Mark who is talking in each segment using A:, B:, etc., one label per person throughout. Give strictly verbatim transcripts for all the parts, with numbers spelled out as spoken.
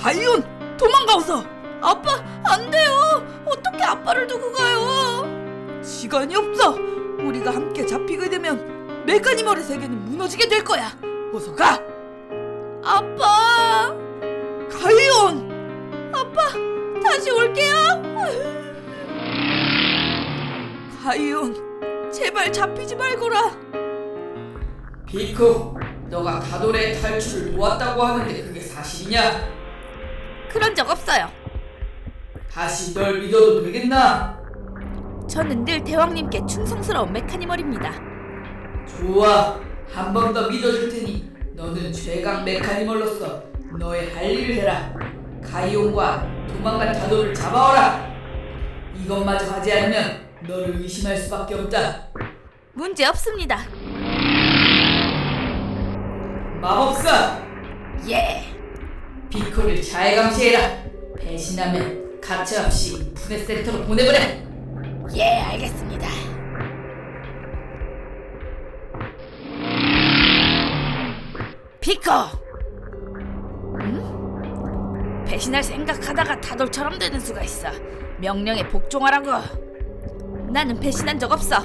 A: 가이온, 도망가오서. 아빠, 안 돼요. 어떻게 아빠를 두고 가요? 시간이 없어. 우리가 함께 잡히게 되면 메카니멀의 세계는 무너지게 될 거야. 어서 가. 아빠. 가이온. 아빠, 다시 올게요. 가이온, 제발 잡히지 말거라.
B: 피코, 너가 다돌의 탈출을 도왔다고 하는데 그게 사실이냐?
A: 그런 적 없어요.
B: 다시 널 믿어도 되겠나?
A: 저는 늘 대왕님께 충성스러운 메카니멀입니다.
B: 좋아, 한 번 더 믿어줄 테니 너는 최강 메카니멀로서 너의 할 일을 해라. 가이온과 도망간 다돌을 잡아오라. 이것마저 하지 않으면 너를 의심할 수밖에 없다.
A: 문제 없습니다.
B: 마법사,
A: 예.
B: 피코를 잘 감시해라. 배신하면 가차없이 푸네센터로 보내버려.
A: 예, 알겠습니다. 피코! 응? 배신할 생각하다가 다돌처럼 되는 수가 있어. 명령에 복종하라고. 나는 배신한 적 없어.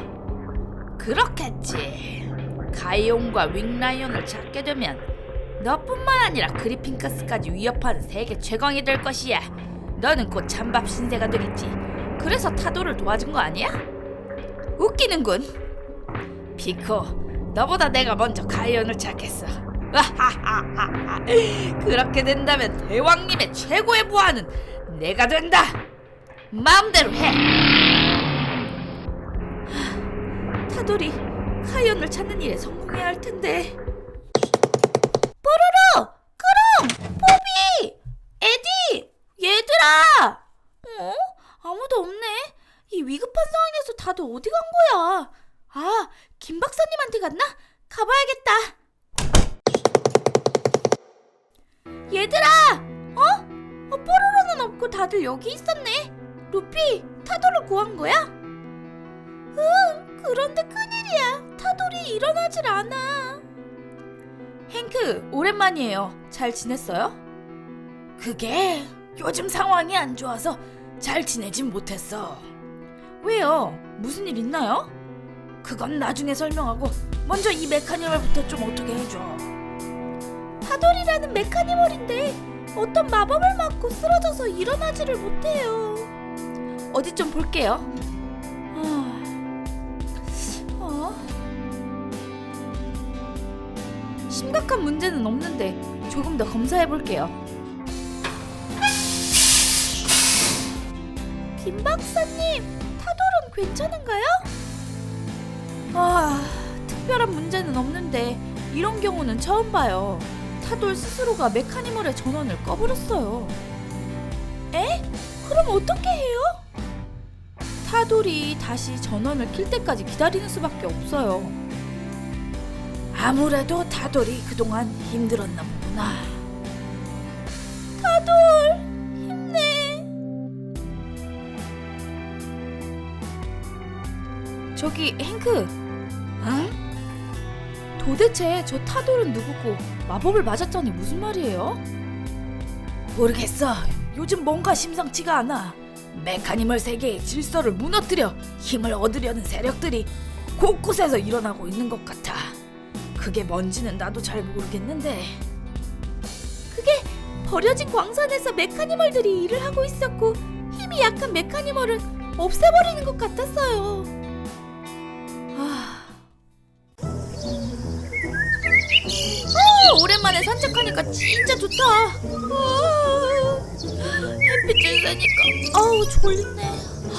A: 그렇겠지. 가이온과 윙라이온을 잡게 되면 너뿐만 아니라 그리핑크스까지 위협하는 세계 최강이 될 것이야. 너는 곧 찬밥 신세가 되겠지. 그래서 타도를 도와준 거 아니야? 웃기는군. 피코, 너보다 내가 먼저 가이온을 찾겠어. 그렇게 된다면 대왕님의 최고의 부하는 내가 된다. 마음대로 해. 타돌이 가이온을 찾는 일에 성공해야 할 텐데. 뽀로로! 크롱! 포비! 에디! 얘들아! 어? 아무도 없네. 이 위급한 상황에서 다들 어디 간 거야? 아, 김 박사님한테 갔나? 가봐야겠다. 얘들아! 어? 어, 뽀로로는 없고 다들 여기 있었네. 루피, 타돌을 구한 거야? 응, 그런데 큰일이야. 타돌이 일어나질 않아. 행크, 오랜만이에요. 잘 지냈어요? 그게 요즘 상황이 안 좋아서 잘 지내진 못했어. 왜요? 무슨 일 있나요? 그건 나중에 설명하고 먼저 이 메카니멀부터 좀 어떻게 해줘. 타돌이라는 메카니멀인데 어떤 마법을 맞고 쓰러져서 일어나지를 못해요. 어디 좀 볼게요. 어? 심각한 문제는 없는데 조금 더 검사해 볼게요. 김 박사님, 타돌은 괜찮은가요? 아, 특별한 문제는 없는데 이런 경우는 처음 봐요. 타돌 스스로가 메카니멀의 전원을 꺼버렸어요. 에? 그럼 어떻게 해요? 타돌이 다시 전원을 킬 때까지 기다리는 수밖에 없어요. 아무래도 타돌이 그동안 힘들었나 보구나. 타돌, 힘내. 저기 행크, 응? 도대체 저 타돌은 누구고 마법을 맞았자니 무슨 말이에요? 모르겠어. 요즘 뭔가 심상치가 않아. 메카니멀 세계의 질서를 무너뜨려 힘을 얻으려는 세력들이 곳곳에서 일어나고 있는 것 같아. 그게 뭔지는 나도 잘 모르겠는데. 그게 버려진 광산에서 메카니멀들이 일을 하고 있었고 힘이 약한 메카니멀은 없애버리는 것 같았어요. 아... 오, 오랜만에 산책하니까 진짜 좋다. 아, 햇빛을 쐬니까 어우 졸리네.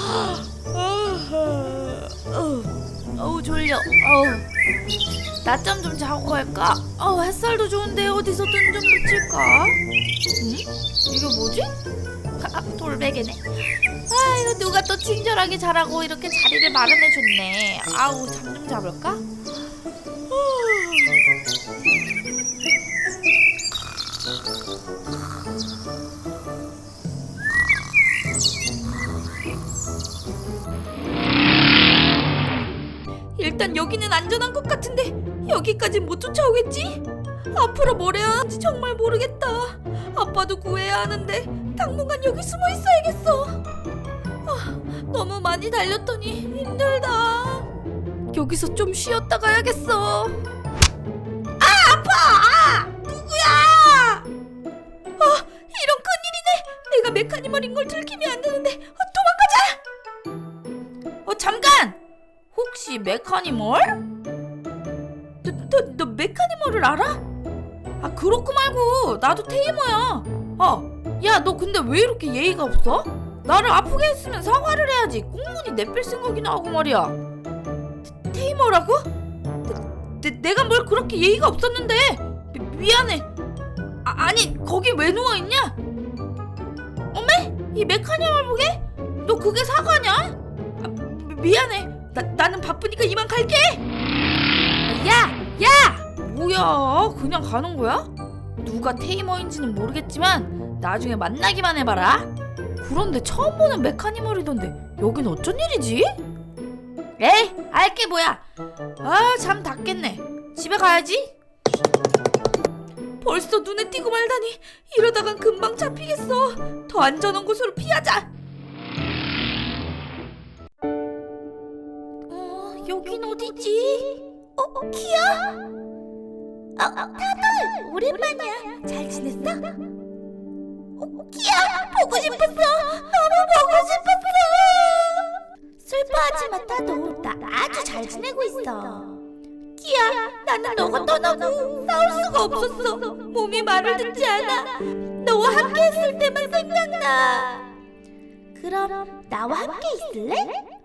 A: 어우 졸려. 어우, 낮잠 좀 자고 갈까? 어우, 햇살도 좋은데 어디서 눈 좀 붙일까? 응? 이거 뭐지? 아, 돌베개네. 아, 이거 누가 또 친절하게 자라고 이렇게 자리를 마련해줬네. 아우, 잠 좀 자볼까? 일단 여기는 안전한 것 같은데 여기까지 못 쫓아오겠지? 앞으로 뭘 해야 하는지 정말 모르겠다. 아빠도 구해야 하는데 당분간 여기 숨어 있어야겠어. 아, 너무 많이 달렸더니 힘들다. 여기서 좀 쉬었다 가야겠어. 아, 아파! 누구야? 아, 이런 큰일이네. 내가 메카니멀인 걸 들키면 안 되는데. 어, 도망가자. 어, 잠깐. 혹시 메카니멀? 너, 너, 너 메카니멀을 알아? 아, 그렇고 말고 나도 테이머야. 아, 야, 너 근데 왜 이렇게 예의가 없어? 나를 아프게 했으면 사과를 해야지. 꽁무니 내뺄 생각이나 하고 말이야. 테, 테이머라고? 내, 내, 내가 뭘 그렇게 예의가 없었는데. 미, 미안해. 아, 아니, 거기 왜 누워있냐? 어메? 이 메카니멀 보게? 너 그게 사과냐? 아, 미, 미안해. 나, 나는 바쁘니까 이만 갈게. 야! 야! 뭐야, 그냥 가는 거야? 누가 테이머인지는 모르겠지만 나중에 만나기만 해봐라. 그런데 처음 보는 메카니멀이던데 여긴 어쩐 일이지? 에이, 알게 뭐야. 아, 잠 다 깼네. 집에 가야지. 벌써 눈에 띄고 말다니. 이러다간 금방 잡히겠어. 더 안전한 곳으로 피하자. 어, 여긴 어디지? 어, 키야? 어, 타돌! 오랜만이야. 잘 지냈어? 어, 키야! 보고 싶었어! 너무 보고 싶었어! 슬퍼하지 마, 타돌. 나 아주 잘 지내고 있어. 키야, 나는 너가 떠나고 싸울 수가 없었어. 몸이 말을 듣지 않아. 너와 함께 했을 때만 생각나. 그럼 나와 함께 있을래?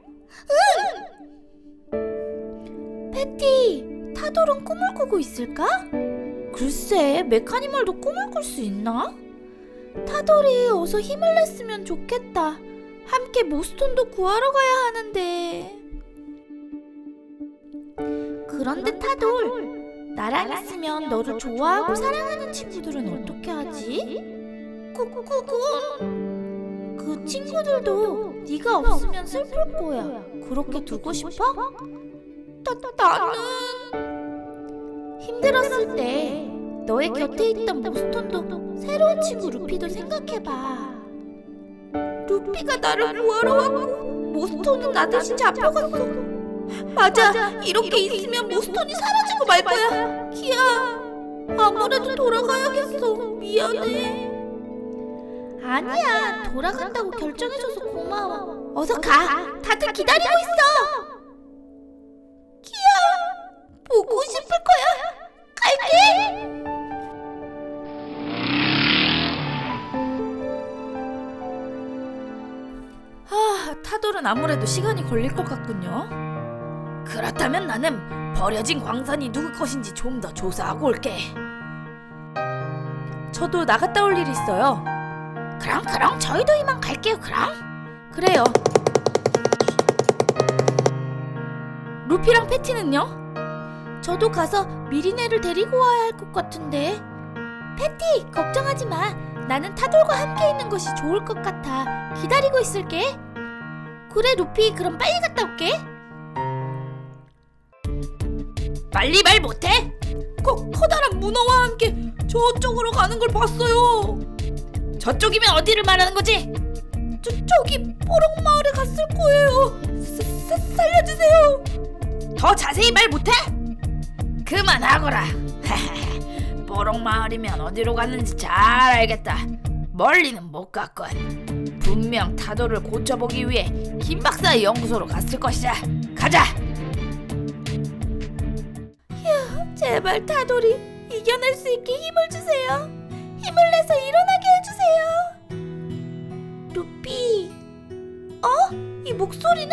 A: 응! 패티, 타돌은 꿈을 꾸고 있을까? 글쎄, 메카니멀도 꿈을 꿀 수 있나? 타돌이 어서 힘을 냈으면 좋겠다. 함께 모스톤도 구하러 가야 하는데. 그런데 타돌, 나랑 있으면 너를 좋아하고 사랑하는 친구들은 어떻게 하지? 그건... 그 친구들도 네가 없으면 슬플 거야. 그렇게 두고 싶어? 나, 나는... 힘들었을 때 너의 곁에 있던 모스톤도 새로운 친구 루피도 생각해봐. 루피가 나를 구하러 왔고 모스톤은 나 대신 잡혀갔어. 맞아, 이렇게 있으면 모스톤이 사라지고 말 거야. 키야, 아무래도 돌아가야겠어. 미안해. 아니야, 돌아간다고 결정해줘서 고마워. 어서 가. 다들 기다리고 있어. 키야, 보고 싶을 거야. 갈게. 아, 타돌은 아무래도 시간이 걸릴 것 같군요. 그렇다면 나는 버려진 광산이 누구 것인지 좀 더 조사하고 올게. 저도 나갔다 올 일이 있어요. 그럼 그럼 저희도 이만 갈게요. 그럼 그래요. 루피랑 패티는요? 저도 가서 미리네를 데리고 와야 할 것 같은데. 패티, 걱정하지 마. 나는 타돌과 함께 있는 것이 좋을 것 같아. 기다리고 있을게. 그래, 루피, 그럼 빨리 갔다 올게. 빨리 말 못해? 커, 커다란 문어와 함께 저쪽으로 가는 걸 봤어요. 저쪽이면 어디를 말하는 거지? 저, 저기 뽀록 마을에 갔을 거예요. 사, 사, 살려주세요. 더 자세히 말 못해? 그만하거라. 뽀록 마을이면 어디로 갔는지 잘 알겠다. 멀리는 못 갔건. 분명 타돌을 고쳐보기 위해 김 박사의 연구소로 갔을 것이다. 가자. 휴, 제발 타돌이 이겨낼 수 있게 힘을 주세요. 힘을 내서 일어나게 해주세요. 루피. 어? 이 목소리는?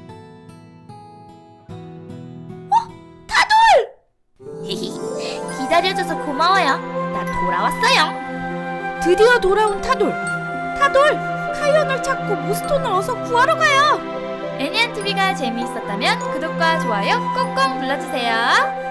A: 어? 타돌! 기다려줘서 고마워요. 나 돌아왔어요. 드디어 돌아온 타돌. 타돌! 카이온을 찾고 모스톤을 어서 구하러 가요. 애니안티비가 재미있었다면 구독과 좋아요 꼭꼭 눌러주세요.